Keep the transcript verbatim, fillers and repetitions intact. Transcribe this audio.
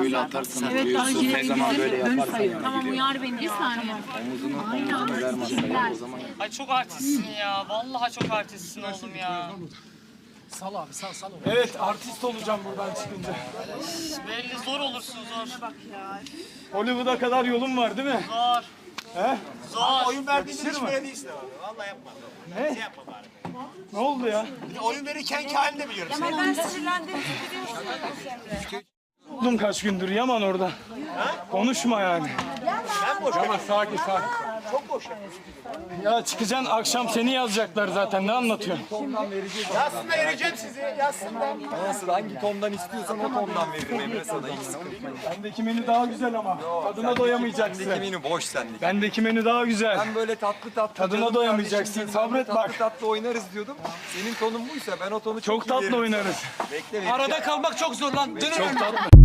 böyle atarsan Evet, uyuyorsun. daha Ne zaman böyle yaparsan yani Tamam gidiyor. uyar beni bir saniye. Omuzunu, omuzunu ver masaya o zaman. Ay çok artistsin ya. Vallahi çok artistsin oğlum ya. Sal abi sal sal. Evet artist olacağım buradan çıkınca. Belli zor olursun zor. Hollywood'a kadar yolum var değil mi? Zor. He? Zor. Oyun verdiğinde hiç böyle değilsin abi. Vallahi yapma. Ne? Şey yapma bari. Ne oldu ya? Bir de oyun verirken ki halini de biliyorum. Sen. Ben sinirlendim. Buldum kaç gündür Yaman orada. Konuşma yani. Ben boş Yaman sakin sakin. Çok boş yapıyorsun. Ya çıkacaksın akşam seni yazacaklar zaten ne anlatıyorsun? Yazsın da vereceğim sizi. Yazsın da. Nasıl hangi tondan istiyorsan o tondan veririm Emre sana. Hiç sıkıntı yok. Bendeki menü daha güzel ama. Tadına doyamayacaksın. Bendeki menü boş sendeki. Bendeki menü daha güzel. Ben böyle tatlı tatlı. Tadına canım doyamayacaksın, kardeşim, sabret tatlı bak. Tatlı oynarız diyordum. Senin tonun buysa ben o tonu çok, Çok iyi tatlı veririm. oynarız. Bekle bekle. Arada kalmak çok zor lan. Çok tatlı.